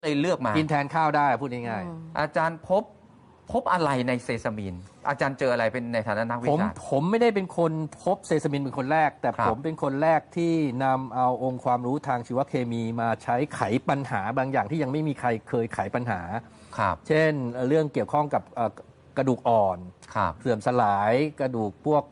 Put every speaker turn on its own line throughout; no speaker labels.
เลยเลือกมา
กินแทนข้าวได้พูดง่าย
ๆอาจารย์พบอะไรในเซซามินอาจารย์เจออะไรเป็นในฐานะนักวิชาการ
ผมไม่ได้เป็นคนพบเซซามินเป็นคนแรกแต่ผมเป็นคนแรกที่นำเอาองค์ความรู้ทางชีวเคมีมาใช้ไขปัญหาบางอย่างที่ยังไม่มีใครเคยไขปัญหาเช่นเรื่องเกี่ยวข้องกับกระดูกอ่อนเสื่อมสลายกระดูกพวก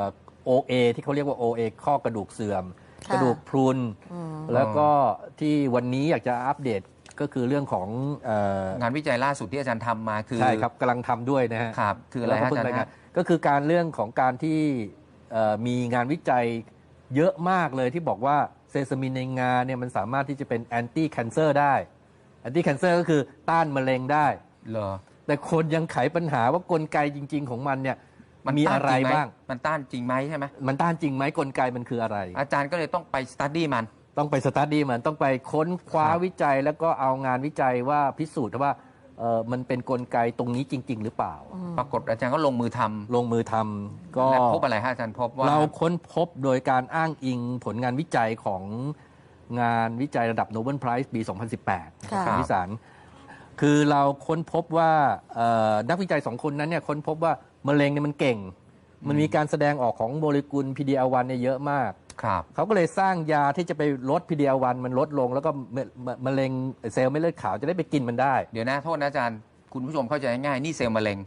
OA ที่เขาเรียกว่า OA ข้อกระดูกเสื่อมกระดูกพรุนแล้วก็ที่วันนี้อยากจะอัปเดตก็คือเรื่องของ
งานวิจัยล่าสุดที่อาจารย์ทำมาคือ
ใช่ครับกำลังทำด้วยนะฮะ
ครับคืออะไรอาจารย์
ก็คือการเรื่องของการที่มีงานวิจัยเยอะมากเลยที่บอกว่าเซซามินในงาเนี่ยมันสามารถที่จะเป็นแอนตี้แคนเซอร์ได้แอนตี้แคนเซอร์ก็คือต้านมะเร็งได้
เหรอ
แต่คนยังไขปัญหาว่ากลไกจริงๆของมันเนี่ยมันมีอะไรบ้าง
มันต้านจริงไหมใช่ไหม
มันต้านจริงไหมกลไกมันคืออะไร
อาจารย์ก็เลยต้องไปสตั๊ดดี้มัน
ต้องไปสตั๊ดดี้มันต้องไปค้นคว้าวิจัยแล้วก็เอางานวิจัยว่าพิสูจน์ว่ามันเป็นกลไกตรงนี้จริงๆหรือเปล่า
ปรากฏอาจารย์ก็ลงมือท
ำก็
พบอะไรฮะอาจารย์พบว่า
เราค้นพบโดยการอ้างอิงผลงานวิจัยของงานวิจัยระดับโนเบิลไพรส์ปี 2018 ของวิสารคือเราค้นพบว่านักวิจัย2 คนนั้นเนี่ยค้นพบว่ามะเร็งเนี่ยมันเก่งมันมีการแสดงออกของโมเลกุล PD-L1 เนี่ยเยอะมากเขาก็เลยสร้างยาที่จะไปลด PD-L1 มันลดลงแล้วก็มะเร็งเซลล์เม็ดเลือดขาวจะได้ไปกินมันได้
เดี๋ยวนะโทษนะอาจารย์คุณผู้ชมเข้าใจง่ายนี่เซลล์มะเร็ง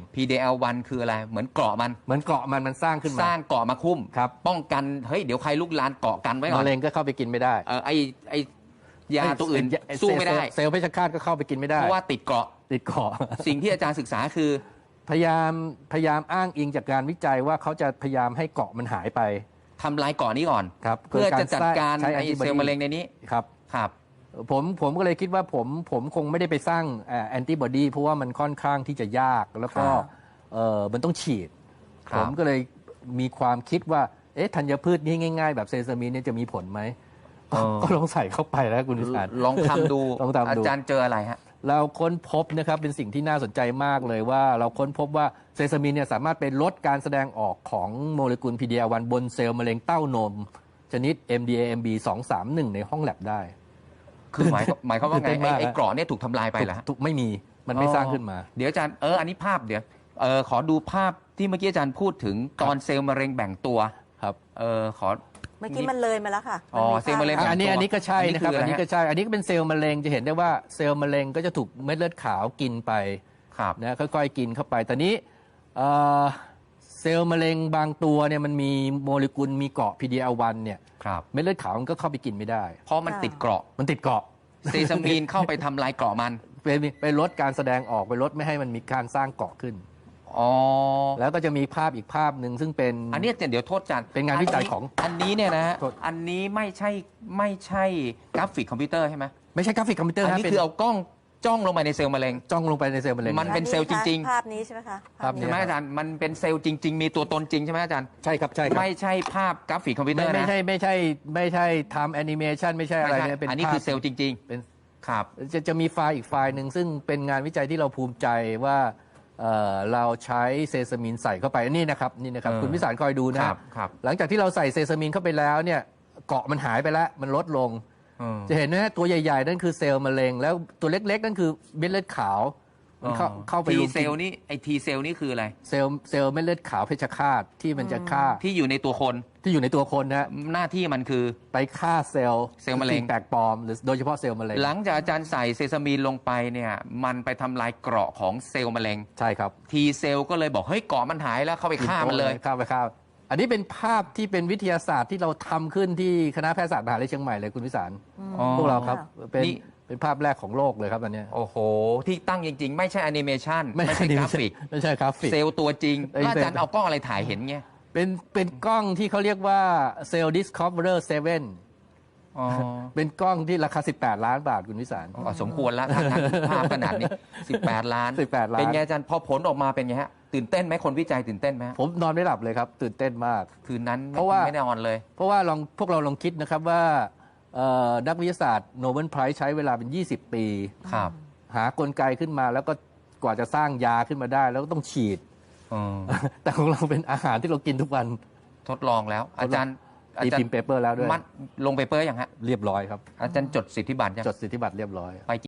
PD-L1 คืออะไรเหมือนเกราะ
มันสร้างขึ้นมา
สร้างเกราะมาคุ้มป้องกันเฮ้ยเดี๋ยวใครลุกลานเกาะกันไว้ก่อน
มะเร็งก็เข้าไปกินไม่ได้
ไอยาตัวอื่นสู้ไม่ได้
เซลล์เพชฌฆาตก็เข้าไปกินไม่ได้
เพราะว่าติดเกราะสิ่งที่อาจารย์ศึกษาคือ
พยายามอ้างอิงจากการวิจัยว่าเขาจะพยายามให้เกาะมันหายไป
ทำลายเกาะนี้ก่อนเพื่อจะจัดการไอเซลล์มะเร็งในนี้
ครับผมก็เลยคิดว่าผมคงไม่ได้ไปสร้างแอนติบอดีเพราะว่ามันค่อนข้างที่จะยากแล้วก็มันต้องฉีดผมก็เลยมีความคิดว่าธัญพืชนี่ง่ายๆแบบเซซามินเนี่ยจะมีผลไหมก็ลองใส่เข้าไปแล้วคุณวิสาร
ลองทำดูอาจารย์เจออะไรฮะ
เราค้นพบนะครับเป็นสิ่งที่น่าสนใจมากเลยว่าเราค้นพบว่าเซซามินเนี่ยสามารถไปลดการแสดงออกของโมเลกุล PD-L1 บนเซลล์มะเร็งเต้านมชนิด MDAMB 231ในห้องแลบได้
คือหมายความว่าไงไอ้เกราะเนี่ยถูกทำลายไปเหรอ
ไม่มีมันไม่สร้างขึ้นมา
เดี๋ยวอาจารย์อันนี้ภาพเดี๋ยวขอดูภาพที่เมื่อกี้อาจารย์พูดถึงตอนเซลล์มะเร็งแบ่งตัว
ครับ
ขอ
เมื่อกี้มันเลยมาแล้วค่ะ
เซลล์มะเร็ง
อันนี้ก็ใช่นะครับอันนี้ก็ใช่อันนี้ก็เป็นเซลล์มะเร็งจะเห็นได้ว่าเซลล์มะเร็งก็จะถูกเม็ดเลือดขาวกินไปนะค่อยๆกินเข้าไปตอนนี้เซลล์มะเร็งบางตัวเนี่ยมันมีโมเลกุลมีเกาะ PD-L1 เนี่ยเม็ดเลือดขาวมันก็เข้าไปกินไม่ได้
เพราะมันติดเกราะเซซามีนเข้าไปทำลายเกราะมัน
ไปลดการแสดงออกไปลดไม่ให้มันมีการสร้างเกราะขึ้นแล้วก็จะมีภาพอีกภาพหนึ่งซึ่งเป็น
อันนี้เดี๋ยวโทษจัน
เป็นงานวิจัยของ
อันนี้เนี่ยนะอันนี้ไม่ใช่กราฟิกคอมพิวเตอร์ใช่ไหม
ไม่ใช่กราฟิกคอมพิวเตอร์
อันนี้คือเอากล้องจ้องลงไปในเซลล์มะเร็งมันเป็นเซลล์จริง
ๆภาพนี้ใช่ไหมคะ
ใช่ไหมอาจารย์มันเป็นเซลล์จริงๆมีตัวตนจริงใช่ไหมอาจารย์
ใช่ครับ
ไม่ใช่ภาพกราฟิกคอมพิวเตอร์นะ
ไม่ใช่ทำแอนิเมชันไม่ใช่อะไร
เป็นอันนี้คือเซลล์จริง
ๆเป็นครับจะมีไฟล์อีกไฟล์หนึ่งซึ่งเป็นงานวิจัยที่เราภูมิใจว่าเราใช้เซซามินใส่เข้าไปนี่นะครับคุณวิสารคอยดูนะครับหลังจากที่เราใส่เซซามินเข้าไปแล้วเนี่ยเกาะมันหายไปแล้วมันลดลงจะเห็นนะตัวใหญ่ๆนั่นคือเซลล์มะเร็งแล้วตัวเล็กๆนั่นคือเม็ดเลือดขาวเข้าไป
ทีเซลล์นี่ทีเซลล์นี่คืออะไร
เซลล์เม็ดเลือดขาวเพชฌฆาตที่มันจะฆ่า
ที่อยู่ในตัวคน
นะ
หน้าที่มันคือ
ไปฆ่าเซลล์
มะเร็ง
แปลกปลอมหรือโดยเฉพาะเซลล์มะเร็ง
หลังจากอาจารย์ใส่เซซามีนลงไปเนี่ยมันไปทำลายเกราะของเซลล์มะเร็ง
ใช่ครับ
ทีเซลล์ก็เลยบอกเฮ้ยเกราะมันหายแล้วเข้าไปฆ่ามันเลย
ฆ่าอันนี้เป็นภาพที่เป็นวิทยาศาสตร์ที่เราทำขึ้นที่คณะแพทยศาสตร์มหาวิทยาลัยเชียงใหม่เลยคุณวิสารพวกเราครับเป็นภาพแรกของโลกเลยครับอันนี้
โอ้โหที่ตั้งจริงๆไม่ใช่แอนิเมชันไม่ใช่กราฟิกเซลล์ตัวจริงอาจารย์เอากล้องอะไรถ่ายเห็นเงี้ย
เป็นกล้องที่เขาเรียกว่า Cell Discoverer 7เป็นกล้องที่ราคา18 ล้านบาทคุณวิสาร
สมควรแล้วภาพขนาดนี้18 ล้านเป็นไงอาจารย์พอผลออกมาเป็นไงฮะตื่นเต้นไหมคนวิจัยตื่นเต้นไหม
ผมนอนไม่หลับเลยครับตื่นเต้นมาก
คืนนั้น
เพราะว่า
ไม่ได้นอนเลย
เพราะว่าพวกเราลองคิดนะครับว่านักวิทยาศาสตร์โนเบิลไพรส์ใช้เวลาเป็น20 ปีหากลไกขึ้นมาแล้วก็กว่าจะสร้างยาขึ้นมาได้แล้วก็ต้องฉีดแต่ของเราเป็นอาหารที่เรากินทุกวัน
ทดลองแล้วอาจารย์
พิมพ์เปเปอร์แล้วด้วย
ลงเปเปอร์อย่างฮะ
เรียบร้อยครับ
อาจารย์จดสิทธิบัตร
จดสิทธิบัตรเรียบร้อย
ไป